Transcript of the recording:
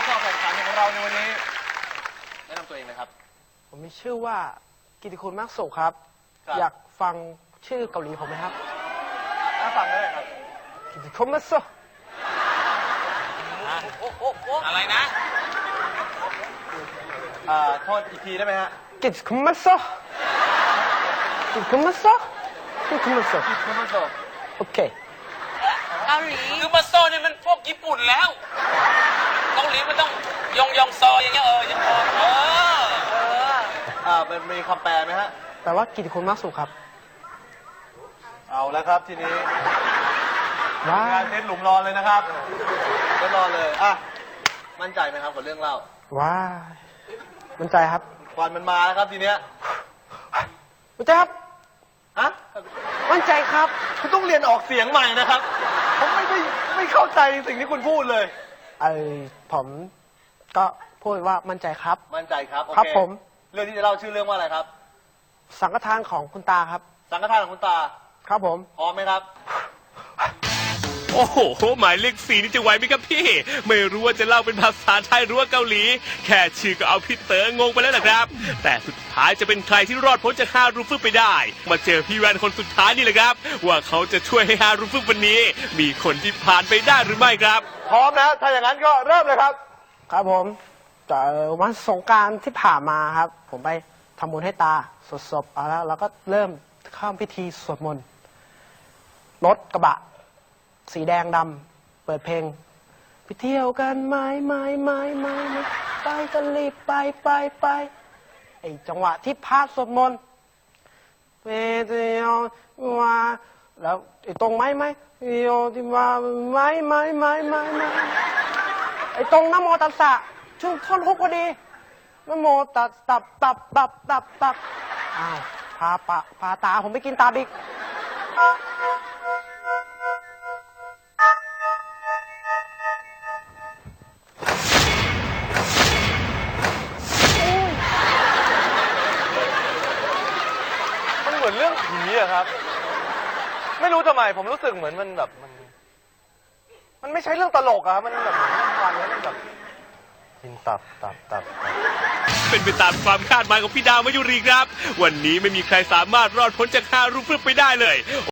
เข้าแข่งขันของเราในวันนี้แนะนำตัวเองนะครับผมมีชื่อว่ากิติคุณมากสุขครับอยากฟังชื่อเกาหลีผมไหมครับฟังได้ครับกิติคุณมากสุขอะไรนะโทษอีกทีได้ไหมฮะกิติคุณมากสุขกิติคุณมากสุขกิติคุณมากสุขคุณมาโซโอเคเกาหลีคือมาโซนี่มันพวกญี่ปุ่นแล้วเกาหลีมันต้องยองซออย่างเงี้ยยังพอมันมีคำแปลไหมฮะแปลว่ากิติคุณมากสุขครับเอาแล้วครับทีนี้ว้างานเซ็ตหลุมรอเลยนะครับเซ็ตรอเลยมั่นใจไหมครับกับเรื่องเล่าว้ามั่นใจครับควันมันมาแล้วครับทีเนี้ยมั่นใจครับมั่นใจครับคุณต้องเรียนออกเสียงใหม่นะครับผมไม่เข้าใจสิ่งที่คุณพูดเลยผมก็พูดว่ามั่นใจครับมั่นใจครับครับผมเรื่องที่จะเล่าชื่อเรื่องว่าอะไรครับสังฆทานของคุณตาครับสังฆทานของคุณตาครับผมพร้อมไหมครับโอ้โหหมายเลข4นี่จะไหวไหมครับพี่ไม่รู้ว่าจะเล่าเป็นภาษาไทยหรือว่าเกาหลีแค่ชื่อก็เอาพี่เต๋องงไปแล้วนะครับแต่สุดท้ายจะเป็นใครที่รอดพ้นจาก5รูฟึบไปได้มาเจอพี่แวนคนสุดท้ายนี่แหละครับว่าเขาจะช่วยให้5รูฟึบวันนี้มีคนที่ผ่านไปได้หรือไม่ครับพร้อมนะถ้าอย่างนั้นก็เริ่มเลยครับครับผมจากวันสงกรานต์ที่ผ่านมาครับผมไปทำบุญให้ตาสวดศพแล้วก็เริ่มเข้าพิธีสวดมนต์รถกระบะสีแดงดำเปิดเพลงไปเที่ยวกันไม่ไปกันรีบไปไอจังหวะที่พาสวดมนต์ไปเที่ยวว่าแล้วไอตรงไม่เที่ยวที่ว่าไม่ไอตรงนะโมตัสสะช่วงท่อนฮุกพอดีนะโมตัสตับอ้าวพาตาผมไปกินตาบิ๊กมันเหมือนเรื่องผีอะครับไม่รู้ทำไมผมรู้สึกเหมือนมันแบบมันไม่ใช่เรื่องตลกอะมันแบบฟังแล้วมันแบบกินตับเป็นไปตามความคาดหมายของพี่ดาวมายุรีครับวันนี้ไม่มีใครสามารถรอดพ้นจาก5รูฟึบไปได้เลย